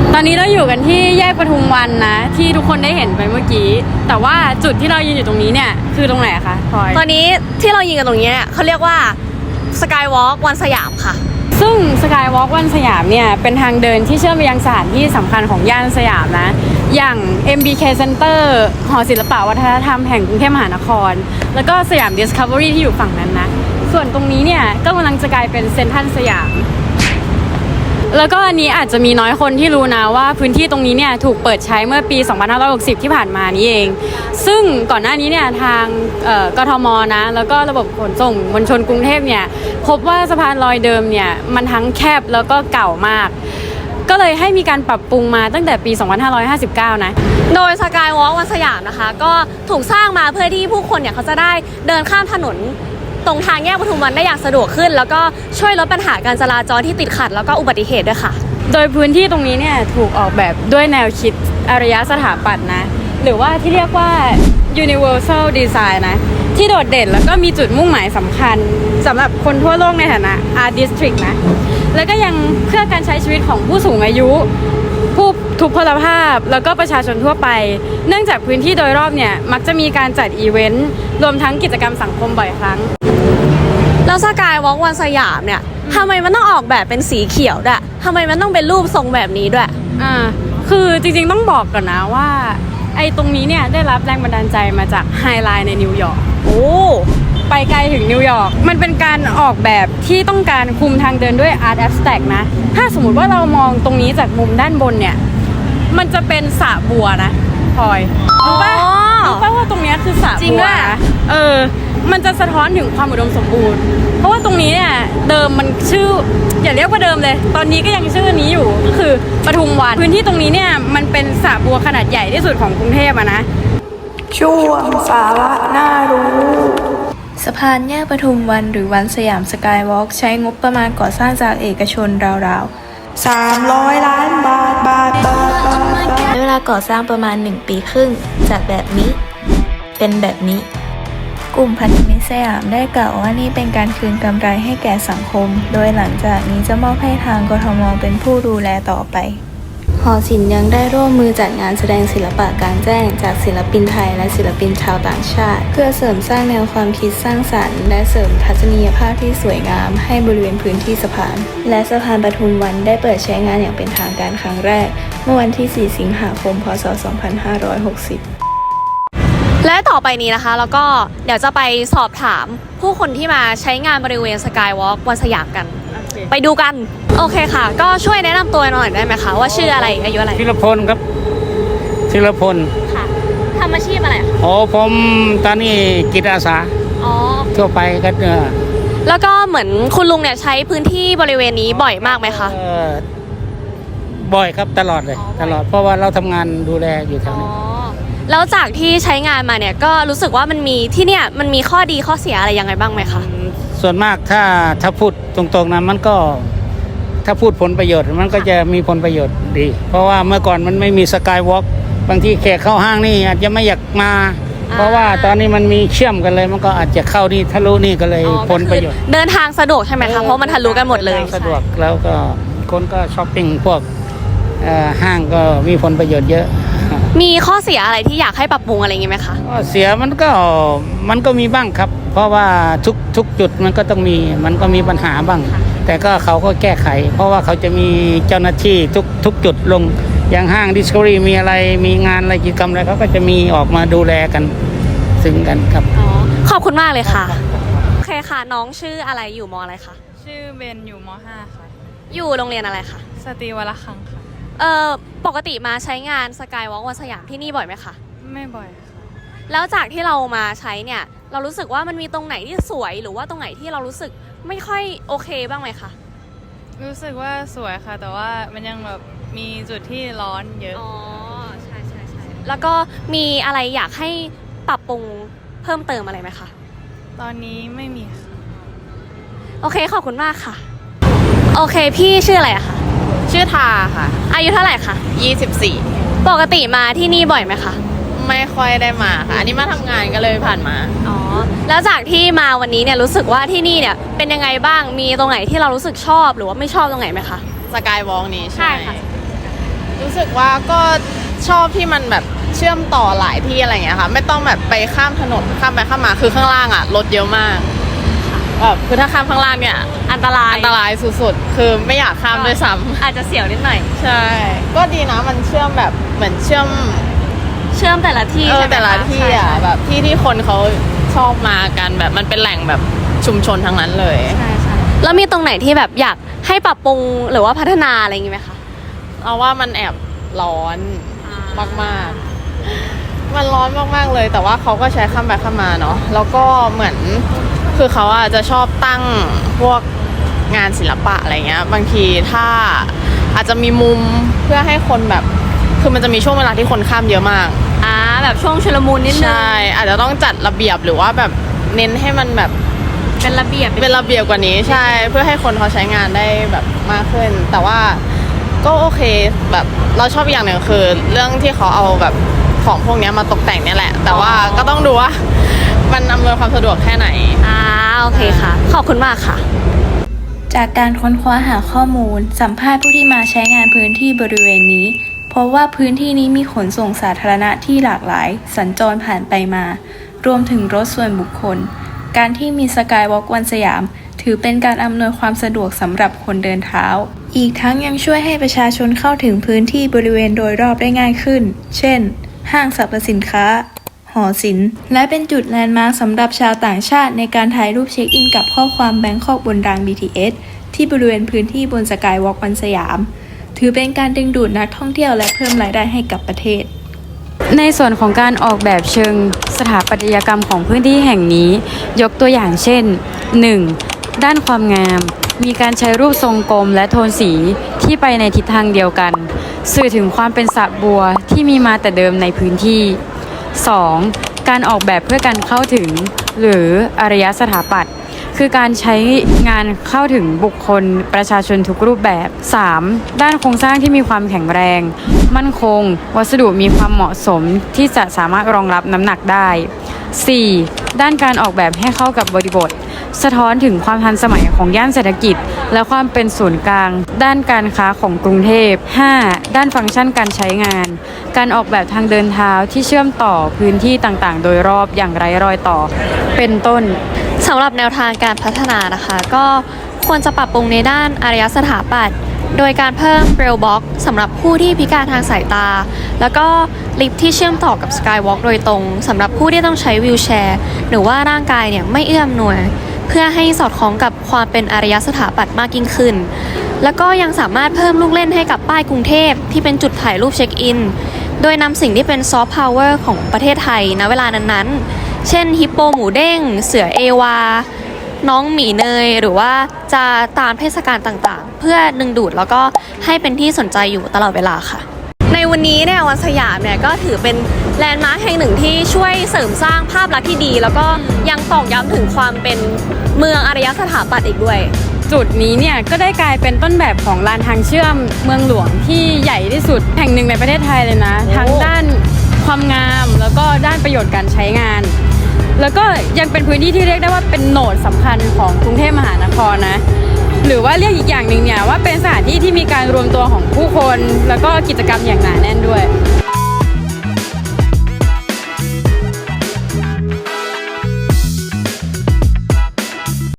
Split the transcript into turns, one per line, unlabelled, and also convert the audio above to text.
ตอนนี้เราอยู่กันที่แยกปทุมวันนะที่ทุกคนได้เห็นไปเมื่อกี้แต่ว่าจุดที่เรายืนอยู่ตรงนี้เนี่ยคือตรงไหนคะพลอย
ตอนนี้ที่เรายืนกันตรงนี้เนี่ยเขาเรียกว่าสกายวอล์กวันสยามค่ะ
ซึ่งสกายวอล์กวันสยามเนี่ยเป็นทางเดินที่เชื่อมไปยังสถานที่สำคัญของย่านสยามนะอย่าง MBK Center หอศิลปวัฒนธรรมแห่งกรุงเทพมหานครแล้วก็สยาม Discovery ที่อยู่ฝั่งนั้นนะส่วนตรงนี้เนี่ยก็กำลังจะกลายเป็นเซ็นทรัลสยามแล้วก็อันนี้อาจจะมีน้อยคนที่รู้นะว่าพื้นที่ตรงนี้เนี่ยถูกเปิดใช้เมื่อปี 2560 ที่ผ่านมานี้เองซึ่งก่อนหน้านี้เนี่ยทางกทมนะแล้วก็ระบบขนส่งมวลชนกรุงเทพเนี่ยพบว่าสะพานลอยเดิมเนี่ยมันทั้งแคบแล้วก็เก่ามากก็เลยให้มีการปรับปรุงมาตั้งแต่ปี 2559 นะ
โดยสกายวอล์กวันสยามนะคะก็ถูกสร้างมาเพื่อที่ผู้คนเนี่ยเขาจะได้เดินข้ามถนนตรงทางแยกปทุมวันได้อย่างสะดวกขึ้นแล้วก็ช่วยลดปัญหาการจราจรที่ติดขัดแล้วก็อุบัติเหตุด้วยค่ะ
โดยพื้นที่ตรงนี้เนี่ยถูกออกแบบด้วยแนวคิดอารยสถาปัตย์นะหรือว่าที่เรียกว่า universal design นะที่โดดเด่นแล้วก็มีจุดมุ่งหมายสำคัญสำหรับคนทั่วโลกในฐานะ art district นะแล้วก็ยังเพื่อการใช้ชีวิตของผู้สูงอายุผู้ทุพพลภาพแล้วก็ประชาชนทั่วไปเนื่องจากพื้นที่โดยรอบเนี่ยมักจะมีการจัดอีเวนต์รวมทั้งกิจกรรมสังคมบ่อยครั้ง
แล้วสกายวอล์กวันสยามเนี่ยทำไมมันต้องออกแบบเป็นสีเขียวด้วยทำไมมันต้องเป็นรูปทรงแบบนี้ด้วย
คือจริงๆต้องบอกก่อนนะว่าไอ้ตรงนี้เนี่ยได้รับแรงบันดาลใจมาจากไฮไลน์ในนิวยอร์กไปไกลถึงนิวยอร์กมันเป็นการออกแบบที่ต้องการคุมทางเดินด้วยอาร์ตแอบสแต็กนะถ้าสมมติว่าเรามองตรงนี้จากมุมด้านบนเนี่ยมันจะเป็นสระบัวนะพลอยรู้ป่ะว่าตรงนี้คือสระบัวมันจะสะท้อนถึงความอุดมสมบูรณ์เพราะว่าตรงนี้เนี่ยเดิมมันชื่ออย่าเรียกว่าเดิมเลยตอนนี้ก็ยังชื่อนี้อยู่ก็คือปทุมวันพื้นที่ตรงนี้เนี่ยมันเป็นสระบัวขนาดใหญ่ที่สุดของกรุงเทพนะ
ช่วงสาระน่ารู้
สะพานแยกปทุมวันหรือวันสยามสกายวอล์กใช้งบประมาณก่อสร้างจากเอกชนราว
ๆ300 ล้านบาท
ใช้เวลาก่อสร้างประมาณ1 ปีครึ่งจากแบบนี้เป็นแบบนี้กลุ่มพันธมิตรสยามได้กล่าวว่านี่เป็นการคืนกำไรให้แก่สังคมโดยหลังจากนี้จะมอบให้ทางกทมเป็นผู้ดูแลต่อไปหอศิลป์ยังได้ร่วมมือจัดงานแสดงศิลปะกลางแจ้งจากศิลปินไทยและศิลปินชาวต่างชาติเพื่อเสริมสร้างแนวความคิดสร้างสรรค์และเสริมทัศนียภาพที่สวยงามให้บริเวณพื้นที่สะพานและสะพานปทุมวันได้เปิดใช้งานอย่างเป็นทางการครั้งแรกเมื่อวันที่ 4 สิงหาคม พ.ศ. 2560
และต่อไปนี้นะคะแล้วก็เดี๋ยวจะไปสอบถามผู้คนที่มาใช้งานบริเวณสกายวอล์กวันสยามกันไปดูกันโอเคค่ะก็ช่วยแนะนำตัวหน่อยได้ไหมคะว่าชื่ออะไรอายุอะไร
ธีรพลครับธีรพล
ค่ะทำอาชีพอะไรคะ
ผมตอนนี้จิตอาสาทั่วไปก็
แล้วก็เหมือนคุณลุงเนี่ยใช้พื้นที่บริเวณนี้บ่อยมากไหมคะ
บ่อยครับตลอดเลยตลอดเพราะว่าเราทำงานดูแลอยู่แถวนี้
แล้วจากที่ใช้งานมาเนี่ยก็รู้สึกว่ามันมีที่เนี่ยมันมีข้อดีข้อเสียอะไรยังไงบ้างไหมคะ
ส่วนมากถ้าพูดตรงๆนะมันก็ถ้าพูดผลประโยชน์มันก็จะมีผลประโยชน์ดีเพราะว่าเมื่อก่อนมันไม่มีสกายวอล์กบางทีแขกเข้าห้างนี่อาจจะไม่อยากมาเพราะว่าตอนนี้มันมีเชื่อมกันเลยมันก็อาจจะเข้านี่ทะลุนี่ก็เลยผลประโยชน์
เดินทางสะดวกใช่ไหมคะเพราะมันทะลุกันหมดเลย
สะดวกแล้วก็คนก็ช้อปปิ้งพวกห้างก็มีผลประโยชน์เยอะ
มีข้อเสียอะไรที่อยากให้ปรับปรุงอะไรอย่างงี้ไหมคะ
ข้อเสียมันก็มีบ้างครับเพราะว่าทุกจุดมันก็ต้องมีมันก็มีปัญหาบ้างแต่ก็เขาก็แก้ไขเพราะว่าเขาจะมีเจ้าหน้าที่ทุกจุดลงอย่างห้าง Discovery มีอะไรมีงานอะไรกิจกรรมอะไรเขาก็จะมีออกมาดูแลกันซึ่งกันครับ
ขอบคุณมากเลยค่ะโอเคค่ะน้องชื่ออะไรอยู่ม.อะไรคะ
ชื่อเบนอยู่ม.5 ค่ะ
อยู่โรงเรียนอะไรคะ
สตรีวรคังค่ะ
ปกติมาใช้งานสกายวอล์กวันสยามที่นี่บ่อยไหมคะ
ไม่บ่อยค่ะ
แล้วจากที่เรามาใช้เนี่ยเรารู้สึกว่ามันมีตรงไหนที่สวยหรือว่าตรงไหนที่เรารู้สึกไม่ค่อยโอเคบ้างไหมคะ
รู้สึกว่าสวยค่ะแต่ว่ามันยังแบบมีจุดที่ร้อนเยอะ
ใช่แล้วก็มีอะไรอยากให้ปรับปรุงเพิ่มเติมอะไรไหมคะ
ตอนนี้ไม่มีค่ะ
โอเคขอบคุณมากค่ะโอเคพี่ชื่ออะไรอะคะ
ชื่อทาค่ะ
อายุเท่าไหร่คะ
24
ปกติมาที่นี่บ่อยไหมคะ
ไม่ค่อยได้มาค่ะอันนี้มาทำงานก็เลยผ่านมา
แล้วจากที่มาวันนี้เนี่ยรู้สึกว่าที่นี่เนี่ยเป็นยังไงบ้างมีตรงไหนที่เรารู้สึกชอบหรือว่าไม่ชอบตรงไหนไหมคะ
สกายวอล์กนี้ใช่ค่ะรู้สึกว่าก็ชอบที่มันแบบเชื่อมต่อหลายที่อะไรอย่างเงี้ยค่ะไม่ต้องแบบไปข้ามถนนข้ามไปข้ามมาคือข้างล่างอ่ะรถเยอะมากแบบคือถ้าข้ามข้างล่างเนี่ย
อันตราย
อันตรายสุดๆคือไม่อยากข้ามด้วยซ้ำ
อาจจะเสียวนิดหน่อย
ใช่ก็ดีนะมันเชื่อมแบบเหมือนเชื่อม
แต่ละที่ใช่ไหมคะ
แต่ละที่อ่ะ
ใช่
แบบที่คนเขาชอบมากันแบบมันเป็นแหล่งแบบชุมชนทั้งนั้นเลย
ใช่ใช่แล้วมีตรงไหนที่แบบอยากให้ปรับปรุงหรือว่าพัฒนาอะไรอย่างงี้ไหมคะ
เอาว่ามันแอบร้อนมากๆ มันร้อนมากๆเลย แต่ว่าเขาก็ใช้ข้ามไปข้ามมาเนาะแล้วก็เหมือนคือเขาอะจะชอบตั้งพวกงานศิลปะอะไรเงี้ยบางทีถ้าอาจจะมีมุมเพื่อให้คนแบบคือมันจะมีช่วงเวลาที่คนข้ามเยอะมาก
แบบช่วงชุลมุนนิดนึง
ใช่อาจจะต้องจัดระเบียบหรือว่าแบบเน้นให้มันแบบ
เป็นระเบียบ
เป็นระเบียบกว่านี้ใช่เพื่อให้คนเขาใช้งานได้แบบมากขึ้น แต่ว่าก็โอเคแบบเราชอบอย่างหนึ่งคือเรื่องที่เขาเอาแบบของพวกนี้มาตกแต่งเนี่ยแหละ แต่ว่าก็ต้องดูว่ามันอำนวยความสะดวกแค่ไหน
โอเคค่ะ ขอบคุณมากค่ะ
จากการค้นคว้าหาข้อมูล สัมภาษณ์ผู้ที่มาใช้งานพื้นที่บริเวณนี้พบว่าพื้นที่นี้มีขนส่งสาธารณะที่หลากหลาย สัญจรผ่านไปมา รวมถึงรถส่วนบุคคล การที่มีสกายวอล์กวันสยาม ถือเป็นการอำนวยความสะดวกสำหรับคนเดินเท้า อีกทั้งยังช่วยให้ประชาชนเข้าถึงพื้นที่บริเวณโดยรอบได้ง่ายขึ้น เช่น ห้างสรรพสินค้า หอศิลป์ และเป็นจุดแลนด์มาร์คสำหรับชาวต่างชาติในการถ่ายรูปเช็คอินกับข้อความแบงคอกบนราง BTS ที่บริเวณพื้นที่บนสกายวอล์กวันสยาม ถือเป็นการดึงดูดนักท่องเที่ยวและเพิ่มรายได้ให้กับประเทศ
ในส่วนของการออกแบบเชิงสถาปัตยกรรมของพื้นที่แห่งนี้ ยกตัวอย่างเช่น 1. ด้านความงาม มีการใช้รูปทรงกลมและโทนสีที่ไปในทิศทางเดียวกัน สื่อถึงความเป็นสระบัวที่มีมาแต่เดิมในพื้นที่ 2. การออกแบบเพื่อการเข้าถึงหรืออารยสถาปัตย์คือการใช้งานเข้าถึงบุคคลประชาชนทุกรูปแบบ 3. ด้านโครงสร้างที่มีความแข็งแรง มั่นคง วัสดุมีความเหมาะสมที่จะสามารถรองรับน้ำหนักได้ 4. ด้านการออกแบบให้เข้ากับบริบท สะท้อนถึงความทันสมัยของย่านเศรษฐกิจ และความเป็นศูนย์กลาง ด้านการค้าของกรุงเทพ 5. ด้านฟังก์ชันการใช้งาน การออกแบบทางเดินเท้าที่เชื่อมต่อพื้นที่ต่างๆ โดยรอบอย่างไร้รอยต่อ เป็นต้น
สำหรับแนวทางการพัฒนานะคะ ก็ควรจะปรับปรุงในด้านอารยสถาปัตย์โดยการเพิ่มเรลบ็อกสำหรับผู้ที่พิการทางสายตา แล้วก็ลิฟท์ที่เชื่อมต่อกับสกายวอล์กโดยตรงสำหรับผู้ที่ต้องใช้วีลแชร์หรือว่าร่างกายเนี่ยไม่เอื้อมหน่วย เพื่อให้สอดคล้องกับความเป็นอารยสถาปัตย์มากยิ่งขึ้น แล้วก็ยังสามารถเพิ่มลูกเล่นให้กับป้ายกรุงเทพที่เป็นจุดถ่ายรูปเช็คอินโดยนำสิ่งที่เป็นซอฟต์พาวเวอร์ของประเทศไทยณเวลานั้นๆเช่นฮิปโปหมูเด้งเสือเอวาน้องหมีเนยหรือว่าจะตามเทศกาลต่างๆเพื่อดึงดูดแล้วก็ให้เป็นที่สนใจอยู่ตลอดเวลาค่ะในวันนี้เนี่ยวันสยามเนี่ยก็ถือเป็นแลนด์มาร์คแห่งหนึ่งที่ช่วยเสริมสร้างภาพลักษณ์ที่ดีแล้วก็ยังตอกย้ำถึงความเป็นเมืองอารยสถาปัตย์อีกด้วย
จุดนี้เนี่ยก็ได้กลายเป็นต้นแบบของลานทางเชื่อมเมืองหลวงที่ใหญ่ที่สุดแห่งหนึ่งในประเทศไทยเลยนะทั้งด้านความงามแล้วก็ด้านประโยชน์การใช้งานแล้วก็ยังเป็นพื้นที่ที่เรียกได้ว่าเป็นโหนดสำคัญของกรุงเทพมหานครนะหรือว่าเรียกอีกอย่างหนึ่งเนี่ยว่าเป็นสถานที่ที่มีการรวมตัวของผู้คนแล้วก็กิจกรรมอย่างหนาแน่นด้วย